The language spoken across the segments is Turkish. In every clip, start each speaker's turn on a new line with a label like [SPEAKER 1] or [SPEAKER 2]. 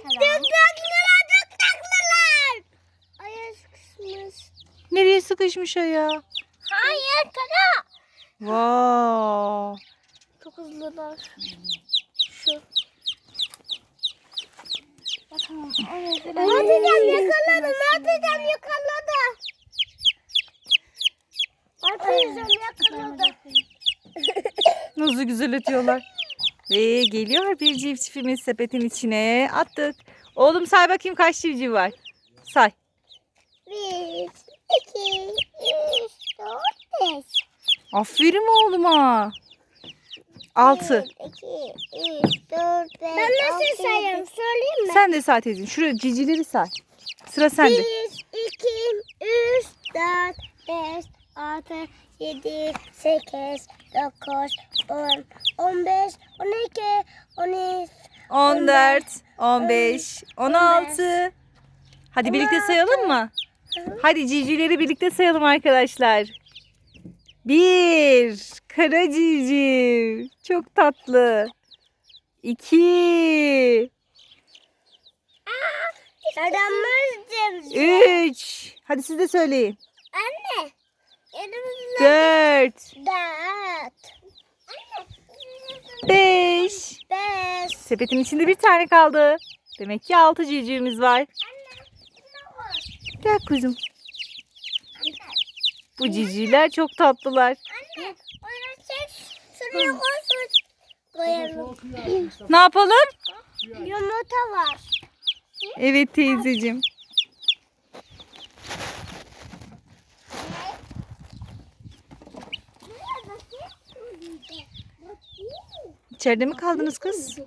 [SPEAKER 1] Dıktaklılar. Ayağı sıkışmış.
[SPEAKER 2] Nereye sıkışmış ayağı?
[SPEAKER 1] Hayır kara.
[SPEAKER 2] Wow.
[SPEAKER 1] Çok hızlılar. Şu. Atacağım yakaladım. Atacağım yakaladı. Atacağım yakaladı.
[SPEAKER 2] Nasıl güzel ötüyorlar. Ve geliyor bir civcivimiz sepetin içine. Attık. Oğlum say bakayım kaç civciv var. Say.
[SPEAKER 1] 1, 2, 3, 4, 5.
[SPEAKER 2] Aferin oğluma. 6.
[SPEAKER 1] 2, 3, 4, 5. Ben nasıl sayarım söyleyeyim mi?
[SPEAKER 2] Sen de say teyzeciğim. Şuraya civcivleri say. Sıra sende.
[SPEAKER 1] 1, 2, 3, 4, 5, 6, 7, 8, 9, 10, 15, 12, 13,
[SPEAKER 2] 14, 15, 16. Hadi birlikte sayalım mı? Hadi civcivleri birlikte sayalım arkadaşlar. 1. Kara civciv. Çok tatlı. 2.
[SPEAKER 1] Yaramazdım.
[SPEAKER 2] 3. Hadi siz de söyleyin.
[SPEAKER 1] Anne. Elimizle
[SPEAKER 2] 4.
[SPEAKER 1] 4.
[SPEAKER 2] 5.
[SPEAKER 1] 5.
[SPEAKER 2] Sepetin içinde bir tane kaldı. Demek ki 6 civcivimiz var. Gel kuzum. Bu civcivler çok tatlılar.
[SPEAKER 1] Anne. Onu çek. Şuraya koysun. Koyalım.
[SPEAKER 2] Ne yapalım?
[SPEAKER 1] Yumurta var.
[SPEAKER 2] Evet teyzeciğim. İçeride mi kaldınız kız?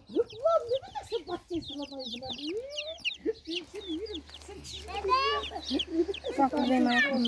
[SPEAKER 1] Bebe.